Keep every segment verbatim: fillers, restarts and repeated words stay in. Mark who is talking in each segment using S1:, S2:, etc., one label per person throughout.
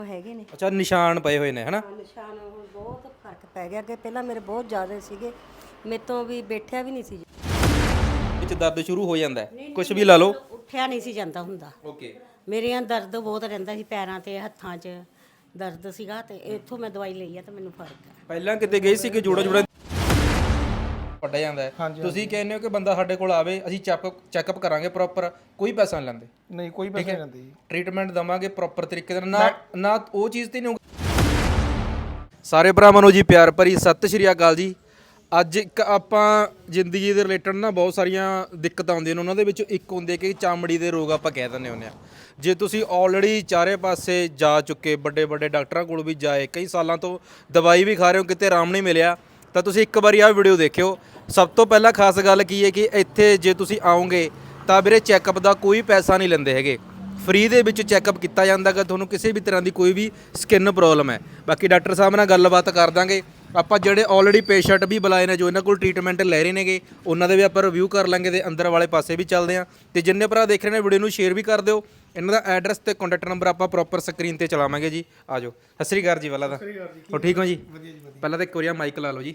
S1: ਹੈਗੇ ਨੇ।
S2: ਅੱਛਾ, ਨਿਸ਼ਾਨ ਪਏ ਹੋਏ ਨੇ ਹਨਾ।
S1: ਨਿਸ਼ਾਨ ਹੁਣ ਬਹੁਤ ਫਰਕ ਪੈ ਗਿਆ। ਅੱਗੇ ਪਹਿਲਾਂ ਮੇਰੇ ਬਹੁਤ ਜ਼ਿਆਦਾ ਸੀਗੇ, ਮੇਰੇ ਤੋਂ ਵੀ ਬੈਠਿਆ ਵੀ ਨਹੀਂ ਸੀ,
S2: ਵਿੱਚ ਦਰਦ ਸ਼ੁਰੂ ਹੋ ਜਾਂਦਾ ਹੈ, ਕੁਝ ਵੀ ਲਾ ਲਓ,
S1: ਉੱਠਿਆ ਨਹੀਂ ਸੀ ਜਾਂਦਾ ਹੁੰਦਾ।
S2: ਓਕੇ।
S1: ਮੇਰੇ ਆਂ ਦਰਦ ਬਹੁਤ ਰਹਿੰਦਾ ਸੀ, ਪੈਰਾਂ ਤੇ ਹੱਥਾਂ 'ਚ ਦਰਦ ਸੀਗਾ, ਤੇ ਇੱਥੋਂ ਮੈਂ ਦਵਾਈ ਲਈ ਆ ਤੇ ਮੈਨੂੰ ਫਰਕ ਹੈ।
S2: ਪਹਿਲਾਂ ਕਿਤੇ ਗਏ ਸੀ ਕਿ ਜੋੜਾ ਜੋੜਾ ਵੱਡਾ ਜਾਂਦਾ ਹੈ, ਤੁਸੀਂ ਕਹਿੰਦੇ ਹੋ ਕਿ ਬੰਦਾ ਸਾਡੇ ਕੋਲ ਆਵੇ, ਅਸੀਂ ਚੈੱਕ ਚੈੱਕਅਪ ਕਰਾਂਗੇ ਪ੍ਰੋਪਰ, ਕੋਈ ਪੈਸਾ ਨਹੀਂ ਲੈਂਦੇ?
S3: ਨਹੀਂ, ਕੋਈ ਪੈਸਾ ਨਹੀਂ ਲੈਂਦੇ ਜੀ।
S2: ਟ੍ਰੀਟਮੈਂਟ ਦਵਾਂਗੇ ਪ੍ਰੋਪਰ ਤਰੀਕੇ ਨਾਲ, ਨਾ ਨਾ ਉਹ ਚੀਜ਼ ਤੇ ਨਹੀਂ ਹੋਊਗੀ। ਸਾਰੇ ਭਰਾਵਾਂ ਨੂੰ ਜੀ ਪਿਆਰ ਭਰੀ ਸਤਿ ਸ਼੍ਰੀ ਅਕਾਲ ਜੀ। ਅੱਜ ਇੱਕ ਆਪਾਂ ਜ਼ਿੰਦਗੀ ਦੇ ਰਿਲੇਟਡ ਨਾ ਬਹੁਤ ਸਾਰੀਆਂ ਦਿੱਕਤਾਂ ਆਉਂਦੀਆਂ ਨੇ, ਉਹਨਾਂ ਦੇ ਵਿੱਚੋਂ ਇੱਕ ਹੁੰਦੇ ਕਿ ਚਮੜੀ ਦੇ ਰੋਗ ਆਪਾਂ ਕਹਿ ਦਿੰਦੇ ਹੁੰਦੇ ਆ। ਜੇ ਤੁਸੀਂ ਆਲਰੇਡੀ ਚਾਰੇ ਪਾਸੇ ਜਾ ਚੁੱਕੇ, ਵੱਡੇ ਵੱਡੇ ਡਾਕਟਰਾਂ ਕੋਲ ਵੀ ਜਾਏ, ਕਈ ਸਾਲਾਂ ਤੋਂ ਦਵਾਈ ਵੀ ਖਾ ਰਹੇ ਹੋ, ਕਿਤੇ ਆਰਾਮ ਨਹੀਂ ਮਿਲਿਆ, ਤਾਂ ਤੁਸੀਂ ਇੱਕ ਵਾਰੀ ਆਹ ਵੀਡੀਓ ਦੇਖਿਓ। ਸਭ ਤੋਂ ਪਹਿਲਾਂ ਖਾਸ ਗੱਲ ਕੀ ਹੈ ਕਿ ਇੱਥੇ ਜੇ ਤੁਸੀਂ ਆਓਗੇ ਤਾਂ ਵੀਰੇ ਚੈੱਕਅਪ ਦਾ ਕੋਈ ਪੈਸਾ ਨਹੀਂ ਲੈਂਦੇ ਹੈਗੇ, ਫ੍ਰੀ ਦੇ ਵਿੱਚ ਚੈੱਕਅਪ ਕੀਤਾ ਜਾਂਦਾ ਗਾ। ਤੁਹਾਨੂੰ ਕਿਸੇ ਵੀ ਤਰ੍ਹਾਂ ਦੀ ਕੋਈ ਵੀ ਸਕਿਨ ਪ੍ਰੋਬਲਮ ਹੈ, ਬਾਕੀ ਡਾਕਟਰ ਸਾਹਿਬ ਨਾਲ ਗੱਲਬਾਤ ਕਰ ਦਾਂਗੇ। ਆਪਾਂ ਜਿਹੜੇ ਆਲਰੇਡੀ ਪੇਸ਼ੈਂਟ ਵੀ ਬੁਲਾਏ ਨੇ, ਜੋ ਇਹਨਾਂ ਕੋਲ ਟ੍ਰੀਟਮੈਂਟ ਲੈ ਰਹੇ ਨੇਗੇ, ਉਹਨਾਂ ਦੇ ਵੀ ਆਪਾਂ ਰਿਵਿਊ ਕਰ ਲਾਂਗੇ ਤੇ ਅੰਦਰ ਵਾਲੇ ਪਾਸੇ ਵੀ ਚੱਲਦੇ ਹਾਂ। ਤੇ ਜਿੰਨੇ ਭਰਾ ਦੇਖ ਰਹੇ ਨੇ ਵੀਡੀਓ ਨੂੰ ਸ਼ੇਅਰ ਵੀ ਕਰ ਦਿਓ। ਇਹਨਾਂ ਦਾ ਐਡਰੈਸ ਤੇ ਕੰਟੈਕਟ ਨੰਬਰ ਆਪਾਂ ਪ੍ਰੋਪਰ ਸਕਰੀਨ ਤੇ ਚਲਾਵਾਂਗੇ ਜੀ। ਆ ਜਾਓ। ਸਤਿ ਸ਼੍ਰੀ ਅਕਾਲ ਜੀ। ਪਹਿਲਾਂ ਤਾਂ ਹੋ ਠੀਕ ਹੋ ਜੀ? ਪਹਿਲਾਂ ਤਾਂ ਇੱਕ ਵਾਰੀ ਮਾਈਕ ਲਾ ਲਓ ਜੀ।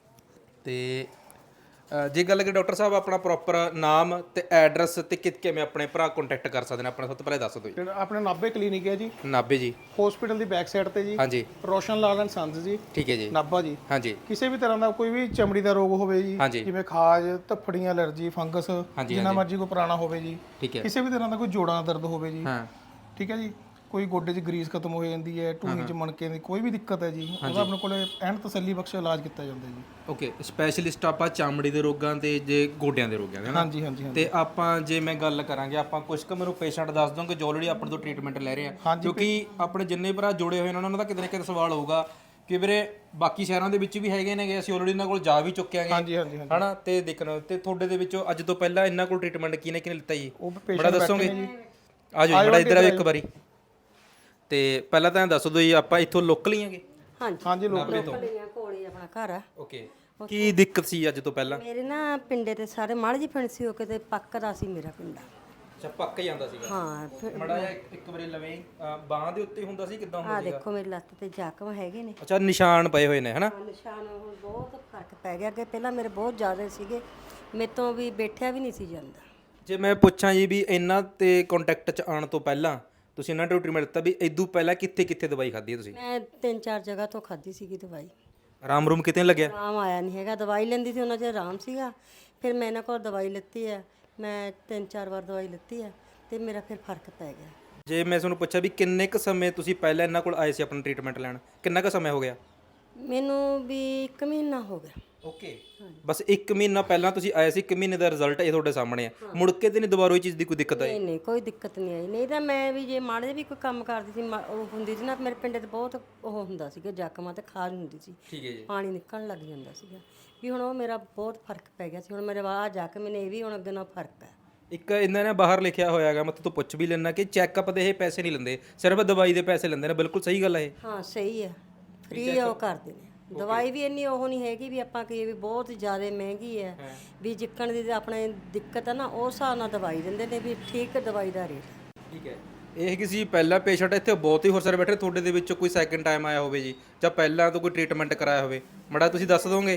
S2: ਤੇ ਜੇ ਗੱਲ ਕਰੀਏ ਡਾਕਟਰ ਸਾਹਿਬ, ਆਪਣਾ ਪ੍ਰੋਪਰ ਨਾਮ ਤੇ ਐਡਰੈਸ ਤੇ ਕਿ ਕਿਵੇਂ ਆਪਣੇ ਭਰਾ ਕੰਟੈਕਟ ਕਰ ਸਕਦੇ ਨੇ, ਆਪਣਾ ਸਭ ਤੋਂ ਪਹਿਲਾਂ ਦੱਸ ਦਿਓ ਜੀ।
S3: ਆਪਣੇ ਨਾਭੇ ਕਲੀਨਿਕ ਹੈ ਜੀ,
S2: ਨਾਭੇ ਜੀ,
S3: ਹਸਪੀਟਲ ਦੀ ਬੈਕ ਸਾਈਡ ਤੇ ਜੀ।
S2: ਹਾਂਜੀ,
S3: ਰੋਸ਼ਨ ਲਾਲ ਐਂਡ ਸੰਸ ਜੀ,
S2: ਠੀਕ ਹੈ ਜੀ,
S3: ਨਾਭਾ ਜੀ।
S2: ਹਾਂਜੀ।
S3: ਕਿਸੇ ਵੀ ਤਰ੍ਹਾਂ ਦਾ ਕੋਈ ਵੀ ਚਮੜੀ ਦਾ ਰੋਗ ਹੋਵੇ ਜੀ, ਜਿਵੇਂ ਖਾਜ, ਧੱਫੜੀਆਂ, ਐਲਰਜੀ, ਫੰਗਸ, ਜਿੰਨਾ ਮਰਜ਼ੀ ਕੋਈ ਪੁਰਾਣਾ ਹੋਵੇ ਜੀ,
S2: ਠੀਕ ਹੈ।
S3: ਕਿਸੇ ਵੀ ਤਰ੍ਹਾਂ ਦਾ ਕੋਈ ਜੋੜਾਂ ਦਾ ਦਰਦ ਹੋਵੇ ਜੀ,
S2: ਹਾਂ,
S3: ਠੀਕ ਹੈ ਜੀ, ਕੋਈ ਗੋਡੇ 'ਚ ਗਰੀਸ ਖਤਮ ਹੋ ਜਾਂਦੀ ਹੈ, ਢੂਹੀ 'ਚ ਮਣਕੇ ਦੀ ਕੋਈ ਵੀ ਦਿੱਕਤ ਹੈ ਜੀ, ਉਹਦਾ ਆਪਣੇ ਕੋਲੇ ਐਨ ਤਸੱਲੀ ਬਖਸ਼ ਇਲਾਜ ਕੀਤਾ ਜਾਂਦਾ ਜੀ।
S2: ਓਕੇ। ਸਪੈਸ਼ਲਿਸਟ ਆਪਾਂ ਚਮੜੀ ਦੇ ਰੋਗਾਂ ਤੇ ਜੇ ਗੋਡਿਆਂ ਦੇ ਰੋਗਾਂ ਦੇ ਨਾ।
S3: ਹਾਂਜੀ ਹਾਂਜੀ ਹਾਂਜੀ।
S2: ਤੇ ਆਪਾਂ ਜੇ ਮੈਂ ਗੱਲ ਕਰਾਂਗੇ, ਆਪਾਂ ਕੁਝ ਕੁ ਮੈਨੂੰ ਪੇਸ਼ੈਂਟ ਦੱਸ ਦੋਗੇ ਜੋ ਆਲਰੇਡੀ ਆਪਣੇ ਤੋਂ ਟ੍ਰੀਟਮੈਂਟ ਲੈ ਰਹੇ ਆ, ਕਿਉਂਕਿ ਆਪਣੇ ਜਿੰਨੇ ਭਰਾ ਜੁੜੇ ਹੋਏ ਨੇ ਉਹਨਾਂ ਦਾ ਕਿਤੇ ਨਾ ਕਿਤੇ ਸਵਾਲ ਹੋਊਗਾ ਕਿ ਵੀਰੇ ਬਾਕੀ ਸ਼ਹਿਰਾਂ ਦੇ ਵਿੱਚ ਵੀ ਹੈਗੇ ਨੇਗੇ, ਅਸੀਂ ਆਲਰੇਡੀ ਇਹਨਾਂ ਕੋਲ ਜਾ ਵੀ ਚੁੱਕੇ ਆਂਗੇ,
S3: ਹਾਂਜੀ ਹਾਂਜੀ ਹਾਂਜੀ,
S2: ਹਨਾ। ਤੇ ਦੇਖਣਾ ਤੇ ਤੁਹਾਡੇ ਦੇ ਵਿੱਚੋਂ ਅੱਜ ਤੋਂ ਪਹਿਲਾਂ ਇਹਨਾਂ ਕੋਲ ਟ੍ਰੀਟਮੈਂਟ ਕਿਹਨੇ ਕਿਹਨੇ ਲਿੱਤਾ ਜੀ, ਬੜਾ ਦੱਸੋਗੇ? ਆ ਜਾਓ ਬੜਾ ਇੱਧਰ ਆਓ ਇੱਕ ਵਾਰੀ। ਤੇ ਪਹਿਲਾਂ ਤਾਂ ਦੱਸ ਦਿਓ ਜੀ, ਆਪਾਂ ਇੱਥੋਂ ਲੋਕਲ ਹੀ ਆਂਗੇ?
S1: ਹਾਂਜੀ
S3: ਹਾਂਜੀ,
S1: ਲੋਕਲ ਕੋਲ ਹੀ ਆਪਣਾ ਘਰ ਆ।
S2: ਓਕੇ। ਕੀ ਦਿੱਕਤ ਸੀ ਅੱਜ ਤੋਂ ਪਹਿਲਾਂ?
S1: ਮੇਰੇ ਨਾ ਪਿੰਡੇ ਤੇ ਸਾਰੇ ਮਾੜੀ ਜੀ ਫਿੰਸੀ ਹੋ ਕੇ ਤੇ ਪੱਕਦਾ ਸੀ ਮੇਰਾ ਪਿੰਡਾ।
S2: ਅੱਛਾ, ਪੱਕ ਜਾਂਦਾ ਸੀਗਾ।
S1: ਹਾਂ, ਫਿਰ
S2: ਮੜਾ ਜਿਹਾ ਇੱਕ ਵਾਰੀ ਲਵੇਂ ਬਾਹਾਂ ਦੇ ਉੱਤੇ ਹੁੰਦਾ ਸੀ, ਕਿਦਾਂ ਹੁੰਦਾ
S1: ਆ
S2: ਸੀਗਾ?
S1: ਦੇਖੋ ਮੇਰੀ ਲੱਤ ਤੇ ਜ਼ਖਮ ਹੈਗੇ ਨੇ।
S2: ਅੱਛਾ, ਨਿਸ਼ਾਨ ਪਏ ਹੋਏ ਨੇ ਹਨਾ।
S1: ਨਿਸ਼ਾਨ ਹੁਣ ਬਹੁਤ ਫਰਕ ਪੈ ਗਿਆ। ਅੱਗੇ ਪਹਿਲਾਂ ਮੇਰੇ ਬਹੁਤ ਜ਼ਿਆਦਾ ਸੀਗੇ, ਮੇਰੇ ਤੋਂ ਵੀ ਬੈਠਿਆ ਵੀ ਨਹੀਂ ਸੀ ਜਾਂਦਾ।
S2: ਜੇ ਮੈਂ ਪੁੱਛਾਂ ਜੀ ਵੀ ਇਹਨਾਂ ਤੇ ਕੰਟੈਕਟ 'ਚ ਆਉਣ ਤੋਂ ਪਹਿਲਾਂ ਤੁਸੀਂ ਇਹਨਾਂ ਨੂੰ ਟ੍ਰੀਟਮੈਂਟ ਦਿੱਤਾ, ਵੀ ਇਦੋਂ ਪਹਿਲਾਂ ਕਿੱਥੇ ਕਿੱਥੇ ਦਵਾਈ ਖਾਧੀ ਹੈ ਤੁਸੀਂ?
S1: ਮੈਂ ਤਿੰਨ ਚਾਰ ਜਗ੍ਹਾ ਤੋਂ ਖਾਧੀ ਸੀਗੀ ਦਵਾਈ,
S2: ਆਰਾਮ ਰੂਮ ਕਿਤੇ ਨਹੀਂ ਲੱਗਿਆ?
S1: ਆਰਾਮ ਆਇਆ ਨਹੀਂ ਹੈਗਾ। ਦਵਾਈ ਲੈਂਦੀ ਸੀ ਉਹਨਾਂ 'ਚ ਆਰਾਮ ਸੀਗਾ, ਫਿਰ ਮੈਂ ਇਹਨਾਂ ਕੋਲ ਦਵਾਈ ਲਿੱਤੀ ਹੈ, ਮੈਂ ਤਿੰਨ ਚਾਰ ਵਾਰ ਦਵਾਈ ਲਿੱਤੀ ਹੈ ਤੇ ਮੇਰਾ ਫਿਰ ਫਰਕ ਪੈ ਗਿਆ।
S2: ਜੇ ਮੈਂ ਤੁਹਾਨੂੰ ਪੁੱਛਿਆ ਵੀ ਕਿੰਨੇ ਕੁ ਸਮੇਂ ਤੁਸੀਂ ਪਹਿਲਾਂ ਇਹਨਾਂ ਕੋਲ ਆਏ ਸੀ ਆਪਣਾ ਟ੍ਰੀਟਮੈਂਟ ਲੈਣ, ਕਿੰਨਾ ਕੁ ਸਮਾਂ ਹੋ ਗਿਆ?
S1: ਮੈਨੂੰ ਵੀ ਇੱਕ ਮਹੀਨਾ ਹੋ ਗਿਆ।
S2: ਓਕੇ। ਬਸ ਇੱਕ ਮਹੀਨਾ ਪਹਿਲਾਂ ਤੁਸੀਂ ਆਏ ਸੀ, ਇੱਕ ਮਹੀਨੇ ਦਾ ਰਿਜ਼ਲਟ ਇਹ ਤੁਹਾਡੇ ਸਾਹਮਣੇ ਆ। ਮੁੜ ਕੇ ਤੇ ਨਹੀਂ ਦੁਬਾਰਾ ਇਹ ਚੀਜ਼ ਦੀ ਕੋਈ ਦਿੱਕਤ ਆਈ?
S1: ਨਹੀਂ ਨਹੀਂ, ਕੋਈ ਦਿੱਕਤ ਨਹੀਂ ਆਈ। ਨਹੀਂ ਤਾਂ ਮੈਂ ਵੀ ਜੇ ਮਾੜੇ ਵੀ ਕੋਈ ਕੰਮ ਕਰਦੀ ਸੀ, ਉਹ ਹੁੰਦੀ ਸੀ ਨਾ, ਮੇਰੇ ਪਿੰਡ ਤੇ ਬਹੁਤ ਉਹ ਹੁੰਦਾ ਸੀਗਾ, ਜ਼ਖਮਾਂ ਤੇ ਖਾਜ ਹੁੰਦੀ ਸੀ,
S2: ਠੀਕ ਹੈ ਜੀ,
S1: ਪਾਣੀ ਨਿਕਲਣ ਲੱਗ ਜਾਂਦਾ ਸੀਗਾ ਵੀ। ਹੁਣ ਉਹ ਮੇਰਾ ਬਹੁਤ ਫਰਕ ਪੈ ਗਿਆ ਸੀ। ਹੁਣ ਮੇਰੇ ਬਾਹਰ ਜਾ ਕੇ ਮੈਨੂੰ ਇਹ ਵੀ ਹੁਣ ਅੱਗੇ ਨਾਲ ਫਰਕ ਹੈ।
S2: ਇੱਕ ਇਹਨਾਂ ਨੇ ਬਾਹਰ ਲਿਖਿਆ ਹੋਇਆ ਹੈਗਾ, ਮੈਂ ਤੋਂ ਪੁੱਛ ਵੀ ਲੈਣਾ ਕਿ ਚੈੱਕਅਪ ਦੇ ਇਹ ਪੈਸੇ ਨਹੀਂ ਲੈਂਦੇ, ਸਿਰਫ ਦਵਾਈ ਦੇ ਪੈਸੇ ਲੈਂਦੇ ਨੇ। ਬਿਲਕੁਲ ਸਹੀ ਗੱਲ ਹੈ ਇਹ?
S1: ਹਾਂ, ਸਹੀ ਹੈ, ਫ੍ਰੀ ਉਹ ਕਰਦੇ ਨੇ। ਦਵਾਈ ਵੀ ਇੰਨੀ ਉਹ ਨਹੀਂ ਹੈਗੀ ਵੀ ਆਪਾਂ ਕਹੀਏ ਵੀ ਬਹੁਤ ਜ਼ਿਆਦਾ ਮਹਿੰਗੀ ਹੈ, ਵੀ ਜਿੱਕਣ ਦੀ ਆਪਣੇ ਦਿੱਕਤ ਹੈ ਨਾ, ਉਸ ਹਿਸਾਬ ਨਾਲ ਦਵਾਈ ਦਿੰਦੇ ਨੇ ਵੀ ਠੀਕ ਦਵਾਈ ਦਾ ਰੇਟ।
S2: ਠੀਕ ਹੈ। ਇਹ ਕਿਸੇ ਪਹਿਲਾ ਪੇਸ਼ੈਂਟ ਇੱਥੇ ਬਹੁਤ ਹੀ ਹੋਰ ਸਾਰੇ ਬੈਠੇ, ਤੁਹਾਡੇ ਦੇ ਵਿੱਚੋਂ ਕੋਈ ਸੈਕਿੰਡ ਟਾਈਮ ਆਇਆ ਹੋਵੇ ਜੀ, ਜਾਂ ਪਹਿਲਾਂ ਤੋਂ ਕੋਈ ਟ੍ਰੀਟਮੈਂਟ ਕਰਾਇਆ ਹੋਵੇ, ਮੜਾ ਤੁਸੀਂ ਦੱਸ ਦੋਗੇ?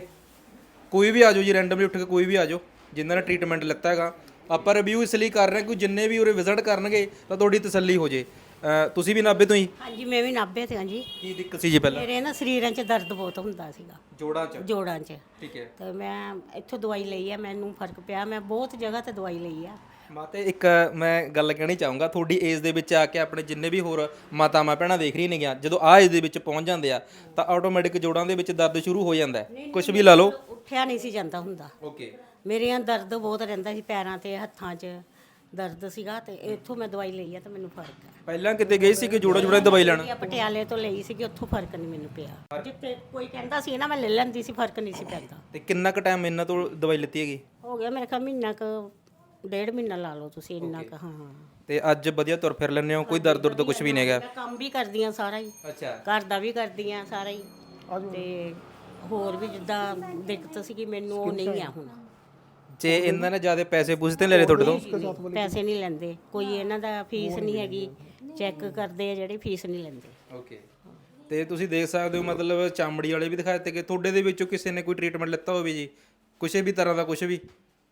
S2: ਕੋਈ ਵੀ ਆ ਜਾਓ ਜੀ, ਰੈਂਡਮਲੀ ਉੱਠ ਕੇ ਕੋਈ ਵੀ ਆ ਜਾਓ ਜਿਨ੍ਹਾਂ ਨੇ ਟ੍ਰੀਟਮੈਂਟ ਲਿੱਤਾ ਹੈਗਾ। ਆਪਾਂ ਰਿਵਿਊ ਇਸ ਲਈ ਕਰ ਰਹੇ ਹਾਂ ਕਿ ਜਿੰਨੇ ਵੀ ਉਰੇ ਵਿਜ਼ਿਟ ਕਰਨਗੇ ਤਾਂ ਤੁਹਾਡੀ ਤਸੱਲੀ ਹੋ ਜੇ। ਤੁਸੀਂ ਵੀ ਨਾਭੇ ਤੋਂ ਹੀ?
S1: ਹਾਂਜੀ, ਮੈਂ ਵੀ ਨਾਭੇ ਤੇ ਹਾਂ ਜੀ।
S2: ਕੀ ਦਿੱਕਤ ਸੀ ਜੀ ਪਹਿਲਾਂ?
S1: ਮੇਰੇ ਨਾ ਸਰੀਰਾਂ 'ਚ ਦਰਦ ਬਹੁਤ ਹੁੰਦਾ ਸੀਗਾ,
S2: ਜੋੜਾਂ 'ਚ?
S1: ਜੋੜਾਂ 'ਚ।
S2: ਠੀਕ ਹੈ।
S1: ਤੇ ਮੈਂ ਇੱਥੋਂ ਦਵਾਈ ਲਈ ਆ, ਮੈਨੂੰ ਫਰਕ ਪਿਆ। ਮੈਂ ਬਹੁਤ ਜਗ੍ਹਾ ਤੇ ਦਵਾਈ ਲਈ ਆ।
S2: ਮਾਤੇ ਇੱਕ ਮੈਂ ਗੱਲ ਕਹਿਣੀ ਚਾਹੂੰਗਾ, ਤੁਹਾਡੀ ਏਜ ਦੇ ਵਿੱਚ ਆ ਕੇ ਆਪਣੇ ਜਿੰਨੇ ਵੀ ਹੋਰ ਮਾਤਾਵਾਂ ਭੈਣਾਂ ਦੇਖ ਰਹੀ ਨੇਗੀਆਂ, ਜਦੋਂ ਆਹ ਏਜ ਦੇ ਵਿੱਚ ਪਹੁੰਚ ਜਾਂਦੇ ਆ ਤਾਂ ਆਟੋਮੈਟਿਕ ਜੋੜਾਂ ਦੇ ਵਿੱਚ ਦਰਦ ਸ਼ੁਰੂ ਹੋ ਜਾਂਦਾ ਹੈ, ਕੁਝ ਵੀ ਲਾ ਲਓ,
S1: ਉੱਠਿਆ ਨਹੀਂ ਸੀ ਜਾਂਦਾ ਹੁੰਦਾ।
S2: ਓਕੇ।
S1: ਮੇਰੇ ਆਂ ਦਰਦ ਬਹੁਤ ਰਹਿੰਦਾ ਸੀ, ਪੈਰਾਂ ਤੇ ਹੱਥਾਂ 'ਚ ਦਰਦ ਸੀਗਾ, ਤੇ ਇੱਥੋਂ ਮੈਂ ਦਵਾਈ ਲਈ ਆ ਤੇ ਮੈਨੂੰ ਫਰਕ ਹੈ।
S2: ਪਹਿਲਾਂ ਕਿਤੇ ਗਏ ਸੀ ਕਿ ਜੋੜਾ ਜੋੜਾ ਦਵਾਈ ਲੈਣ?
S1: ਪਟਿਆਲੇ ਤੋਂ ਲਈ ਸੀਗੀ, ਉੱਥੋਂ ਫਰਕ ਨਹੀਂ ਮੈਨੂੰ ਪਿਆ। ਜਿੱਥੇ ਕੋਈ ਕਹਿੰਦਾ ਸੀ ਨਾ ਮੈਂ ਲੈ ਲੈਂਦੀ ਸੀ, ਫਰਕ ਨਹੀਂ ਸੀ ਪੈਂਦਾ।
S2: ਤੇ ਕਿੰਨਾ ਕੁ ਟਾਈਮ ਇਹਨਾਂ ਤੋਂ ਦਵਾਈ ਲਿੱਤੀ ਹੈਗੀ?
S1: ਹੋ ਗਿਆ ਮੇਰੇ ਖਿਆਲ ਮਹੀਨਾ ਕੁ, ਡੇਢ ਮਹੀਨਾ ਲਾ ਲਓ ਤੁਸੀਂ, ਇੰਨਾ ਕੁ। ਹਾਂ।
S2: ਤੇ ਅੱਜ ਵਧੀਆ ਤੁਰ ਫਿਰ ਲੈਂਦੇ ਹੋ, ਕੋਈ ਦਰਦ ਦੁਰਦ ਕੁਝ ਵੀ ਨਹੀਂ ਹੈਗਾ?
S1: ਮੈਂ ਕੰਮ ਵੀ ਕਰਦੀ ਆ ਸਾਰਾ ਹੀ,
S2: ਅੱਛਾ,
S1: ਘਰ ਦਾ ਵੀ ਕਰਦੀ ਆ ਸਾਰਾ ਹੀ, ਤੇ ਹੋਰ ਵੀ ਜਿੱਦਾਂ ਦਿੱਕਤ ਸੀਗੀ ਮੈਨੂੰ ਉਹ ਨਹੀਂ ਆ ਹੁਣ।
S2: ਜੇ ਇਹਨਾਂ ਨੇ ਜ਼ਿਆਦਾ ਪੈਸੇ ਪੁੱਛਦੇ ਲੈ ਰਹੇ ਤੁਹਾਡੇ ਤੋਂ?
S1: ਪੈਸੇ ਨਹੀਂ ਲੈਂਦੇ ਕੋਈ, ਇਹਨਾਂ ਦਾ ਫੀਸ ਨਹੀਂ ਹੈਗੀ, ਚੈੱਕ ਕਰਦੇ ਆ ਜਿਹੜੇ, ਫੀਸ ਨਹੀਂ ਲੈਂਦੇ।
S2: ਓਕੇ। ਤੇ ਤੁਸੀਂ ਦੇਖ ਸਕਦੇ ਹੋ ਮਤਲਬ ਚਮੜੀ ਵਾਲੇ ਵੀ ਦਿਖਾਏ ਤੇ ਕਿ ਤੁਹਾਡੇ ਦੇ ਵਿੱਚੋਂ ਕਿਸੇ ਨੇ ਕੋਈ ਟ੍ਰੀਟਮੈਂਟ ਲਿੱਤਾ ਹੋਵੇ ਜੀ ਕਿਸੇ ਵੀ ਤਰ੍ਹਾਂ ਦਾ ਕੁਝ ਵੀ?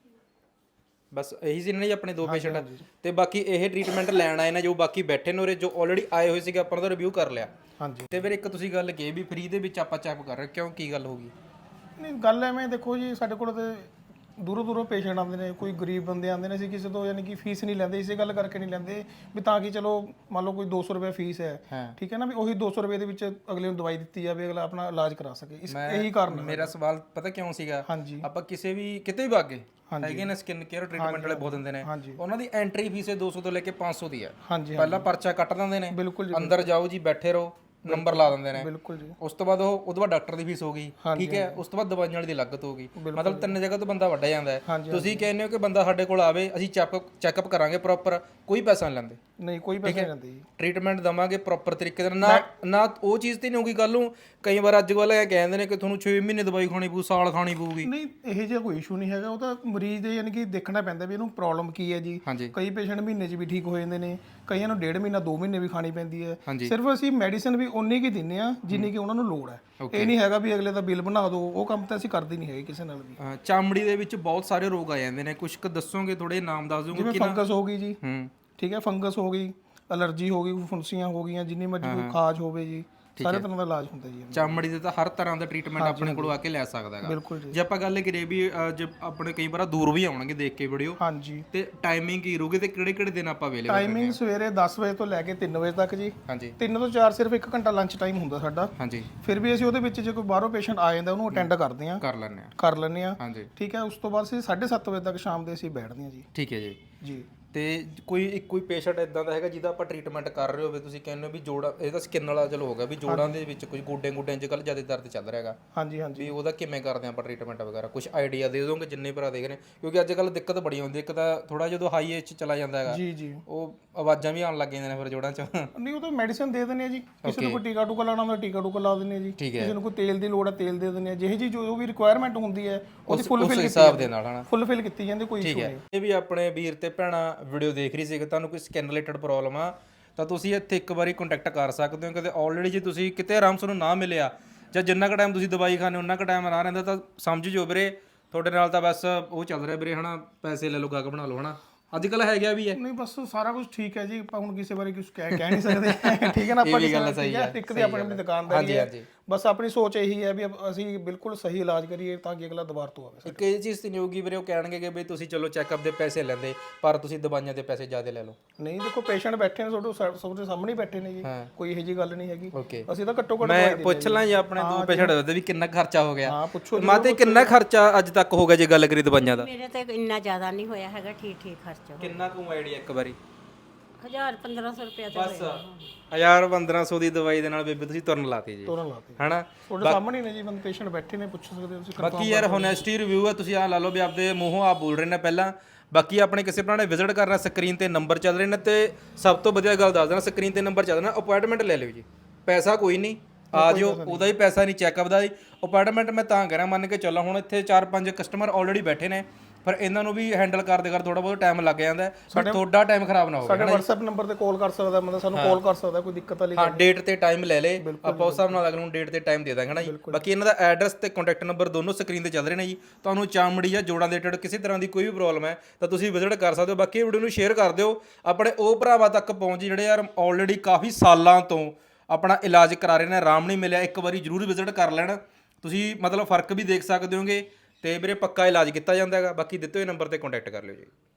S2: ਬਸ ਇਹੀ ਸੀ ਨਾ ਜੀ ਆਪਣੇ ਦੋ ਪੇਸ਼ੈਂਟ। ਤੇ ਬਾਕੀ ਇਹ ਟ੍ਰੀਟਮੈਂਟ ਲੈਣ ਆਏ ਨੇ ਜੋ ਬਾਕੀ ਬੈਠੇ ਨੇ ਉਰੇ ਜੋ ਆਲਰੇਡੀ ਆਏ ਹੋਏ ਸੀਗੇ ਆਪਾਂ ਉਹਦਾ ਰਿਵਿਊ ਕਰ ਲਿਆ।
S3: ਹਾਂਜੀ।
S2: ਤੇ ਫਿਰ ਇੱਕ ਤੁਸੀਂ ਗੱਲ ਕਹੀ ਵੀ ਫ੍ਰੀ ਦੇ ਵਿੱਚ ਆਪਾਂ ਚੈੱਕ ਕਰ ਰਹੇ ਕਿਉਂ ਕੀ ਗੱਲ ਹੋ ਗਈ?
S3: ਨਹੀਂ ਗੱਲ ਐਵੇਂ ਦੇਖੋ ਜੀ, ਸਾਡੇ ਕੋਲ ਤੇ ਦੂਰੋਂ ਦੂਰੋਂ ਪੇਸ਼ੈਂਟ ਆਉਂਦੇ ਨੇ, ਕੋਈ ਗਰੀਬ ਬੰਦੇ ਆਉਂਦੇ ਨੇ, ਅਸੀਂ ਕਿਸੇ ਤੋਂ ਯਾਨੀ ਕਿ ਫੀਸ ਨਹੀਂ ਲੈਂਦੇ, ਇਸੇ ਗੱਲ ਕਰਕੇ ਨਹੀਂ ਲੈਂਦੇ ਵੀ ਤਾਂ ਕਿ ਚਲੋ ਮੰਨ ਲਓ ਕੋਈ ਦੋ ਸੌ ਰੁਪਏ ਫੀਸ ਹੈ, ਠੀਕ ਹੈ ਨਾ, ਵੀ ਉਹੀ ਦੋ ਸੌ ਰੁਪਏ ਦੇ ਵਿੱਚ ਅਗਲੇ ਨੂੰ ਦਵਾਈ ਦਿੱਤੀ ਜਾਵੇ, ਅਗਲਾ ਆਪਣਾ ਇਲਾਜ ਕਰਾ ਸਕੇ। ਇਸ ਇਹੀ ਕਾਰਨ ਹੈ
S2: ਮੇਰਾ ਸਵਾਲ ਪਤਾ ਕਿਉਂ ਸੀਗਾ?
S3: ਹਾਂਜੀ।
S2: ਆਪਾਂ ਕਿਸੇ ਵੀ ਕਿਤੇ ਵੀ ਵਾਗੇ ਹੈਗੇ ਨੇ ਸਕਿਨ ਕੇਅਰ ਟ੍ਰੀਟਮੈਂਟ ਵਾਲੇ ਬਹੁਤ ਦਿੰਦੇ ਨੇ, ਉਹਨਾਂ ਦੀ ਐਂਟਰੀ ਫੀਸ ਦੋ ਸੌ ਤੋਂ ਲੈ ਕੇ ਪੰਜ ਸੌ ਦੀ ਹੈ।
S3: ਹਾਂਜੀ।
S2: ਪਹਿਲਾਂ ਪਰਚਾ ਕੱਟ ਦਿੰਦੇ ਨੇ,
S3: ਬਿਲਕੁਲ ਜੀ,
S2: ਅੰਦਰ ਜਾਓ ਜੀ ਬੈਠੇ ਰਹੋ, ਨੰਬਰ ਲਾ ਦਿੰਦੇ ਨੇ।
S3: ਬਿਲਕੁਲ ਜੀ।
S2: ਉਸ ਤੋਂ ਬਾਅਦ ਉਹ ਉਹਦੇ ਬਾਅਦ ਡਾਕਟਰ ਦੀ ਫੀਸ ਹੋ ਗਈ, ਠੀਕ ਹੈ, ਉਸ ਤੋਂ ਬਾਅਦ ਦਵਾਈਆਂ ਵਾਲੀ ਦੀ ਲਾਗਤ ਹੋ ਗਈ, ਮਤਲਬ ਤਿੰਨ ਜਗ੍ਹਾ ਤੋਂ ਬੰਦਾ ਵੱਢਿਆ ਜਾਂਦਾ ਹੈ। ਤੁਸੀਂ ਕਹਿੰਦੇ ਹੋ ਕਿ ਬੰਦਾ ਸਾਡੇ ਕੋਲ ਆਵੇ, ਅਸੀਂ ਚੈੱਕ ਚੈੱਕਅਪ ਕਰਾਂਗੇ ਪ੍ਰੋਪਰ, ਕੋਈ ਪੈਸਾ ਨਹੀਂ ਲੈਂਦੇ।
S3: ਨਹੀਂ ਕੋਈ ਪੈਸਾ ਨਹੀਂ ਲੈਂਦੇ ਜੀ।
S2: ਟ੍ਰੀਟਮੈਂਟ ਦਵਾਂਗੇ ਪ੍ਰੋਪਰ ਤਰੀਕੇ ਨਾਲ, ਨਾ ਨਾ ਉਹ ਚੀਜ਼ ਤੇ ਨਹੀਂ ਹੋਊਗੀ ਕੱਲ ਨੂੰ। ਕਈ ਵਾਰ ਅੱਜ ਕੱਲ੍ਹ ਇਹ ਕਹਿੰਦੇ ਨੇ ਕਿ ਤੁਹਾਨੂੰ ਛੇ ਮਹੀਨੇ ਦਵਾਈ ਖਾਣੀ ਪਊ, ਸਾਲ ਖਾਣੀ ਪਊਗੀ।
S3: ਨਹੀਂ ਇਹ ਜਿਹਾ ਕੋਈ ਇਸ਼ੂ ਨਹੀਂ ਹੈਗਾ, ਉਹ ਤਾਂ ਮਰੀਜ਼ ਦੇ ਯਾਨੀ ਕਿ ਦੇਖਣਾ ਪੈਂਦਾ ਵੀ ਇਹਨੂੰ ਪ੍ਰੋਬਲਮ ਕੀ ਹੈ ਜੀ। ਕਈ ਪੇਸ਼ੈਂਟ ਮਹੀਨੇ 'ਚ ਵੀ ਠੀਕ ਹੋ ਜਾਂਦੇ ਨੇ, ਕਈਆਂ ਨੂੰ ਡੇਢ ਮਹੀਨਾ ਦੋ ਮਹੀਨੇ ਵੀ ਖਾਣੀ ਪੈਂਦੀ ਹੈ। ਸਿਰਫ ਅਸੀਂ ਮੈਡੀਸਿਨ ਵੀ ਉਨੀ ਕੀ ਦਿੰਦੇ ਆ ਜਿੰਨੀ ਕਿ ਉਹਨਾਂ ਨੂੰ ਲੋੜ ਹੈ। ਇਹ ਨਹੀਂ ਹੈਗਾ ਵੀ ਅਗਲੇ ਦਾ ਬਿੱਲ ਬਣਾ ਦਿਓ, ਉਹ ਕੰਮ ਤਾਂ ਅਸੀਂ ਕਰਦੇ ਨਹੀਂ ਹੈਗੇ ਕਿਸੇ ਨਾਲ ਵੀ।
S2: ਚਮੜੀ ਦੇ ਵਿੱਚ ਬਹੁਤ ਸਾਰੇ ਰੋਗ ਆ ਜਾਂਦੇ ਨੇ, ਕੁਝ ਕੁ ਦੱਸੋਗੇ, ਥੋੜੇ ਨਾਮ ਦੱਸ ਦਿਓਗੇ?
S3: ਜਿਵੇਂ ਫੰਗਸ ਹੋ ਗਈ ਜੀ, ਠੀਕ ਹੈ, ਫੰਗਸ ਹੋ ਗਈ, ਅਲਰਜੀ ਹੋ ਗਈ, ਫੁੰਸੀਆਂ ਹੋ ਗਈਆਂ, ਜਿੰਨੀ ਮਰਜ਼ੀ ਕੋਈ ਖਾਜ ਹੋਵੇ ਜੀ, ਸਾਰੇ ਤਰ੍ਹਾਂ ਦਾ ਇਲਾਜ ਹੁੰਦਾ ਜੀ।
S2: ਚਮੜੀ ਦੇ ਤਾਂ ਹਰ ਤਰ੍ਹਾਂ ਦਾ ਟ੍ਰੀਟਮੈਂਟ ਆਪਣੇ ਕੋਲ ਆ ਕੇ ਲੈ ਸਕਦਾ ਹੈਗਾ।
S3: ਬਿਲਕੁਲ ਜੀ।
S2: ਜੇ ਆਪਾਂ ਗੱਲ ਕਰੀਏ ਵੀ ਜੇ ਆਪਣੇ ਕਈ ਵਾਰ ਦੂਰ ਵੀ ਆਉਣਗੇ ਦੇਖ ਕੇ ਵੀਡੀਓ,
S3: ਹਾਂਜੀ,
S2: ਤੇ ਟਾਈਮਿੰਗ ਕੀ ਰਹੂਗੀ ਤੇ ਕਿਹੜੇ ਕਿਹੜੇ ਦਿਨ ਆਪਾਂ ਅਵੇਲੇਬਲ?
S3: ਟਾਈਮਿੰਗ ਸਵੇਰੇ ਦਸ ਵਜੇ ਤੋਂ ਲੈ ਕੇ ਤਿੰਨ ਵਜੇ ਤੱਕ ਜੀ।
S2: ਹਾਂਜੀ।
S3: ਤਿੰਨ ਤੋਂ ਚਾਰ ਸਿਰਫ ਇੱਕ ਘੰਟਾ ਲੰਚ ਟਾਈਮ ਹੁੰਦਾ ਸਾਡਾ।
S2: ਹਾਂਜੀ।
S3: ਫਿਰ ਵੀ ਅਸੀਂ ਉਹਦੇ ਵਿੱਚ ਜੇ ਕੋਈ ਬਾਹਰੋਂ ਪੇਸ਼ੈਂਟ ਆ ਜਾਂਦਾ ਉਹਨੂੰ ਅਟੈਂਡ ਕਰਦੇ ਹਾਂ,
S2: ਕਰ ਲੈਂਦੇ ਆ
S3: ਕਰ ਲੈਂਦੇ ਆ।
S2: ਹਾਂਜੀ।
S3: ਠੀਕ ਹੈ, ਉਸ ਤੋਂ ਬਾਅਦ ਅਸੀਂ ਸਾਢੇ ਸੱਤ ਵਜੇ ਤੱਕ ਸ਼ਾਮ ਦੇ ਅਸੀਂ ਬੈਠਦੇ ਹਾਂ ਜੀ।
S2: ਠੀਕ ਹੈ ਜੀ।
S3: ਜੀ।
S2: ਤੇ ਕੋਈ ਇੱਕ ਕੋਈ ਪੇਸ਼ੈਂਟ ਇਦਾਂ ਦਾ ਹੈਗਾ ਜਿਹਦਾ ਆਪਾਂ ਟ੍ਰੀਟਮੈਂਟ ਕਰ ਰਹੇ ਹੋਵੇ, ਤੁਸੀਂ ਕਹਿੰਦੇ ਹੋ ਵੀ ਜੋੜਾ, ਇਹ ਤਾਂ ਸਕਿਨ ਵਾਲਾ ਚਲੋ ਹੋ ਗਿਆ, ਵੀ ਜੋੜਾਂ ਦੇ ਵਿੱਚ ਕੁਝ ਗੋਡੇ ਗੋਡਿਆਂ 'ਚ ਕੱਲ ਜ਼ਿਆਦਾ ਦਰਦ ਚੱਲ ਰਿਹਾ ਹੈਗਾ,
S3: ਹਾਂਜੀ ਹਾਂਜੀ,
S2: ਵੀ ਉਹਦਾ ਕਿਵੇਂ ਕਰਦੇ ਆਪਾਂ ਟ੍ਰੀਟਮੈਂਟ ਵਗੈਰਾ? ਕੁਝ ਆਈਡੀਆ ਦੇ ਦੋਗੇ ਜਿੰਨੇ ਭਰਾ ਦੇਖ ਰਹੇ? ਕਿਉਂਕਿ ਅੱਜ ਕੱਲ੍ਹ ਦਿੱਕਤ ਬੜੀ ਆਉਂਦੀ, ਇੱਕ ਤਾਂ ਥੋੜਾ ਜਦੋਂ ਹਾਈ ਏਜ 'ਚ ਚਲਾ ਜਾਂਦਾ ਹੈਗਾ, ਜੀ ਜੀ, ਉਹ ਆਵਾਜ਼ਾਂ ਵੀ ਆਉਣ ਲੱਗ ਜਾਂਦੀਆਂ ਨੇ ਫਿਰ ਜੋੜਾਂ 'ਚ। ਨਹੀਂ ਉਹ ਤਾਂ ਮੈਡੀਸਿਨ ਦੇ ਦਿੰਦੇ ਆ ਜੀ, ਕਿਸੇ ਨੂੰ ਕੋਈ ਟੀਕਾ ਟੂਕਾ ਲਾਉਣਾ ਹੁੰਦਾ ਟੀਕਾ ਟੂਕਾ ਲਾ ਦਿੰਦੇ ਆ ਜੀ, ਕਿਸੇ ਨੂੰ ਕੋਈ ਤੇਲ ਦੀ ਲੋੜ ਹੈ ਤੇਲ ਦੇ ਦਿੰਦੇ ਆ, ਜਿਹੇ ਜੀ ਜੋ ਵੀ ਰਿਕੁਆਇਰਮੈਂਟ ਹੁੰਦੀ ਹੈ ਉਹਦੀ ਫੁੱਲ ਫਿਲ ਹਿਸਾਬ ਦੇ ਨਾਲ ਹਨਾ
S3: ਫੁੱਲ ਕੀਤੀ ਜਾਂਦੀ, ਕੋਈ ਇਸ਼ੂ ਨਹੀਂ।
S2: ਇਹ ਵੀ ਆਪਣੇ ਵੀਰ ਤੇ ਭੈਣਾਂ ਵੀਡੀਓ ਦੇਖ ਰਹੀ ਸੀ, ਤੁਹਾਨੂੰ ਕੋਈ ਸਕਿਨ ਰਿਲੇਟਡ ਪ੍ਰੋਬਲਮ ਆ ਤਾਂ ਤੁਸੀਂ ਇੱਥੇ ਇੱਕ ਵਾਰੀ ਕੰਟੈਕਟ ਕਰ ਸਕਦੇ ਹੋ। ਕਿਤੇ ਆਲਰੇਡੀ ਜੇ ਤੁਸੀਂ ਕਿਤੇ ਆਰਾਮ ਤੁਹਾਨੂੰ ਨਾ ਮਿਲਿਆ ਜਾਂ ਜਿੰਨਾ ਕੁ ਟਾਈਮ ਤੁਸੀਂ ਦਵਾਈ ਖਾਣੇ ਉਹਨਾਂ ਕੁ ਟਾਈਮ ਨਾ ਰਹਿੰਦਾ ਤਾਂ ਸਮਝ ਜੋ ਵੀਰੇ ਤੁਹਾਡੇ ਨਾਲ ਤਾਂ ਬਸ ਉਹ ਚੱਲ ਰਿਹਾ ਵੀਰੇ ਹਨਾ, ਪੈਸੇ ਲੈ ਲਓ ਗੱਗ ਬਣਾ ਲਓ ਹਨਾ, ਅੱਜ ਕੱਲ੍ਹ ਹੈ ਗਿਆ ਵੀ ਹੈ।
S3: ਨਹੀਂ ਬਸ ਸਾਰਾ ਕੁਝ ਠੀਕ ਹੈ ਜੀ, ਆਪਾਂ ਹੁਣ ਕਿਸੇ ਬਾਰੇ ਕੁਝ ਕਹਿ ਕਹਿ ਨਹੀਂ ਸਕਦੇ, ਠੀਕ ਹੈ ਨਾ। ਆਪਾਂ ਕਿਸੇ ਨਾਲ ਸਹੀ ਹੈ, ਇੱਕ ਦੀ ਆਪਣੀ ਆਪਣੀ ਦੁਕਾਨਦਾਰੀ ਹੈ, ਬਸ ਆਪਣੀ ਸੋਚ ਇਹੀ ਹੈ ਵੀ ਅਸੀਂ ਬਿਲਕੁਲ ਸਹੀ ਇਲਾਜ ਕਰੀਏ ਤਾਂ ਕਿ ਅਗਲਾ ਦੁਬਾਰਾ ਤੋਂ ਆਵੇ।
S2: ਇੱਕ ਇਹ ਚੀਜ਼ ਤੇ ਨਹੀਂ ਹੋਊਗੀ ਵੀਰੇ ਉਹ ਕਹਿਣਗੇ ਕਿ ਬਈ ਤੁਸੀਂ ਚਲੋ ਚੈੱਕਅਪ ਦੇ ਪੈਸੇ ਲੈਂਦੇ ਪਰ ਤੁਸੀਂ ਦਵਾਈਆਂ ਦੇ ਪੈਸੇ ਜ਼ਿਆਦਾ ਲੈ ਲਓ।
S3: ਨਹੀਂ ਦੇਖੋ ਪੇਸ਼ੈਂਟ ਬੈਠੇ ਨੇ ਤੁਹਾਡੇ ਤੁਹਾਡੇ ਸਾਹਮਣੇ ਬੈਠੇ ਨੇ ਜੀ, ਕੋਈ ਇਹੋ ਜਿਹੀ ਗੱਲ ਨਹੀਂ ਹੈਗੀ। ਅਸੀਂ ਤਾਂ ਘੱਟੋ ਘੱਟ
S2: ਮੈਂ ਪੁੱਛ ਲਾਂ ਜੀ ਆਪਣੇ ਦੋ ਪੇਸ਼ੈਂਟ ਹੋਏ ਵੀ ਕਿੰਨਾ ਖਰਚਾ ਹੋ ਗਿਆ?
S3: ਹਾਂ ਪੁੱਛੋ।
S2: ਮਾਤੇ ਕਿੰਨਾ ਖਰਚਾ ਅੱਜ ਤੱਕ ਹੋ ਗਿਆ ਜੇ ਗੱਲ ਕਰੀ ਦਵਾਈਆਂ ਦਾ?
S1: ਮੇਰੇ ਤੇ ਇੰਨਾ ਜ਼ਿਆਦਾ ਨਹੀਂ ਹੋਇਆ ਹੈਗਾ, ਠੀਕ ਠੀਕ ਖਰਚਾ।
S2: ਕਿੰਨਾ ਕੁ ਆਈਡੀਆ ਇੱਕ ਵਾਰੀ?
S1: ਹਜ਼ਾਰ ਪੰਦਰਾਂ ਸੌ ਰੁਪਇਆ ਤਾਂ
S2: ਬਸ ਹਜ਼ਾਰ ਪੰਦਰਾਂ ਸੌ ਦੀ ਦਵਾਈ ਦੇ ਨਾਲ ਬੇਬੇ ਤੁਸੀਂ ਤੁਰਨ ਲਾਤੀ ਜੀ,
S3: ਤੁਰਨ ਲਾਤੀ
S2: ਹਨਾ।
S3: ਤੁਹਾਡੇ ਸਾਹਮਣੇ ਨੇ ਜੀ ਬੰਦੇ ਪੇਸ਼ੈਂਟ ਬੈਠੇ ਨੇ, ਪੁੱਛ ਸਕਦੇ ਹੋ ਤੁਸੀਂ।
S2: ਬਾਕੀ ਯਾਰ ਹੋਨੈਸਟੀ ਰਿਵਿਊ ਹੈ, ਤੁਸੀਂ ਆਹ ਲਾ ਲਓ ਵੀ ਆਪਦੇ ਮੂੰਹੋਂ ਆਪ ਬੋਲ ਰਹੇ ਨੇ ਪਹਿਲਾਂ। ਬਾਕੀ ਆਪਣੇ ਕਿਸੇ ਭਰਾ ਨੇ ਵਿਜ਼ਿਟ ਕਰਨਾ, ਸਕਰੀਨ ਤੇ ਨੰਬਰ ਚੱਲ ਰਹੇ ਨੇ, ਤੇ ਸਭ ਤੋਂ ਵਧੀਆ ਗੱਲ ਦੱਸ ਦੇਣਾ, ਸਕਰੀਨ ਤੇ ਨੰਬਰ ਚੱਲ ਰਿਹਾ, ਅਪਾਇੰਟਮੈਂਟ ਲੈ ਲਿਓ ਜੀ, ਪੈਸਾ ਕੋਈ ਨਹੀਂ, ਆ ਜਿਓ, ਉਹਦਾ ਹੀ ਪੈਸਾ ਨਹੀਂ, ਚੈੱਕਅਪ ਦਾ ਹੀ। ਅਪਾਇੰਟਮੈਂਟ ਮੈਂ ਤਾਂ ਕਰਾਂ, ਮੰਨ ਕੇ ਚੱਲੋ ਹੁਣ ਇੱਥੇ ਚਾਰ ਪੰਜ ਕਸਟਮਰ ਆਲਰੇਡੀ ਬੈਠੇ ਨੇ, ਪਰ ਇਹਨਾਂ ਨੂੰ ਵੀ ਹੈਂਡਲ ਕਰਦੇ ਕਰ ਥੋੜਾ ਬਹੁਤ ਟਾਈਮ ਲੱਗ ਜਾਂਦਾ ਹੈ, ਪਰ ਤੁਹਾਡਾ ਟਾਈਮ ਖਰਾਬ ਨਾ ਹੋਵੇ।
S3: ਸਾਡੇ WhatsApp ਨੰਬਰ ਤੇ ਕਾਲ ਕਰ ਸਕਦਾ ਬੰਦਾ, ਸਾਨੂੰ ਕਾਲ ਕਰ ਸਕਦਾ, ਕੋਈ ਦਿੱਕਤ ਵਾਲੀ।
S2: ਹਾਂ ਡੇਟ ਤੇ ਟਾਈਮ ਲੈ ਲੇ, ਆਪਾਂ ਉਸ ਹਿਸਾਬ ਨਾਲ ਅਗਲੇ ਨੂੰ ਡੇਟ ਤੇ ਟਾਈਮ ਦੇ ਦਾਂਗੇ ਨਾ ਜੀ। ਬਾਕੀ ਇਹਨਾਂ ਦਾ ਐਡਰੈਸ ਤੇ ਕੰਟੈਕਟ ਨੰਬਰ ਦੋਨੋਂ ਸਕਰੀਨ ਤੇ ਚੱਲ ਰਹੇ ਨੇ ਜੀ। ਤੁਹਾਨੂੰ ਚਮੜੀ ਜਾਂ ਜੋੜਾਂ ਦੇ ਰਿਲੇਟਡ ਕਿਸੇ ਤਰ੍ਹਾਂ ਦੀ ਕੋਈ ਵੀ ਪ੍ਰੋਬਲਮ ਹੈ ਤਾਂ ਤੁਸੀਂ ਵਿਜ਼ਿਟ ਕਰ ਸਕਦੇ ਹੋ। ਬਾਕੀ ਵੀਡੀਓ ਨੂੰ ਸ਼ੇਅਰ ਕਰ ਦਿਓ ਆਪਣੇ ਉਹ ਭਰਾਵਾਂ ਤੱਕ ਪਹੁੰਚ ਜਿਹੜੇ ਯਾਰ ਆਲਰੇਡੀ ਕਾਫੀ ਸਾਲਾਂ ਤੋਂ ਆਪਣਾ ਇਲਾਜ ਕਰਾ ਰਹੇ ਨੇ, ਆਰਾਮ ਨਹੀਂ ਮਿਲਿਆ, ਇੱਕ ਵਾਰੀ ਜ਼ਰੂਰ ਵਿਜ਼ਿਟ ਕਰ ਲੈਣ ਤੁਸੀਂ, ਮਤਲਬ ਫਰਕ ਵੀ ਦੇਖ ਸਕਦੇ ਹੋਗੇ, ਤੇ ਵੀਰੇ ਪੱਕਾ ਇਲਾਜ ਕੀਤਾ ਜਾਂਦਾ ਹੈਗਾ। ਬਾਕੀ ਦਿੱਤੇ ਹੋਏ ਨੰਬਰ ਤੇ ਕੰਟੈਕਟ ਕਰ ਲਿਓ ਜੀ।